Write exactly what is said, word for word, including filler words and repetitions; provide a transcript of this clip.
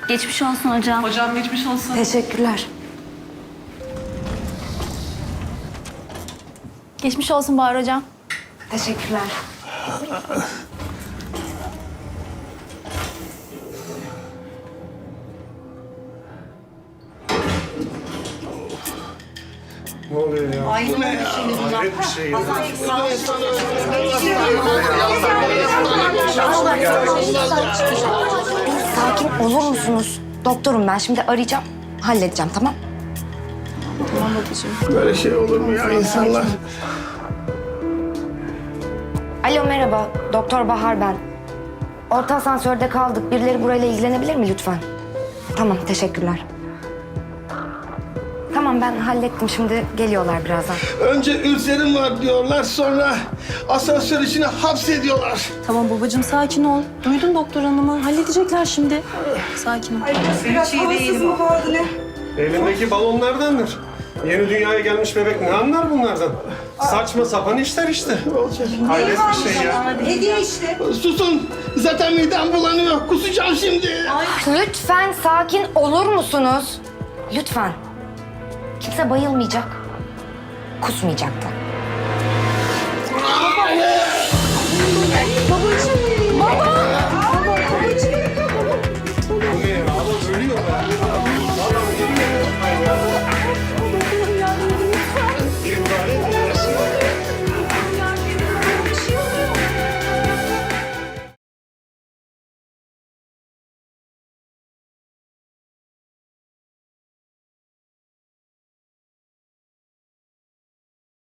Geçmiş olsun hocam. Hocam geçmiş olsun. Teşekkürler. Geçmiş olsun Bahar hocam. Teşekkürler. Ne oluyor ya? Ay bu ne ya? Hayret bir şey ya. Sakin olur musunuz? Doktorum ben. Şimdi arayacağım. Halledeceğim, tamam? Böyle şey olur mu ya insanlar? Alo, merhaba. Doktor Bahar ben. Orta asansörde kaldık. Birileri burayla ilgilenebilir mi lütfen? Tamam, teşekkürler. Tamam, ben hallettim. Şimdi geliyorlar birazdan. Önce ülserim var diyorlar, sonra asansör içine hapsediyorlar. Tamam babacığım sakin ol. Duydun doktor hanımı. Halledecekler şimdi. Sakin ol. Biraz havasız mı kaldı ne? Elindeki balonlardandır. Yeni dünyaya gelmiş bebek ne anlar bunlardan? Saçma sapan işler işte. Hayret bir şey ya. Hediye işte. Susun, zaten midem bulanıyor. Kusacağım şimdi. Lütfen sakin olur musunuz? Lütfen. Kimse bayılmayacak. Kusmayacak da.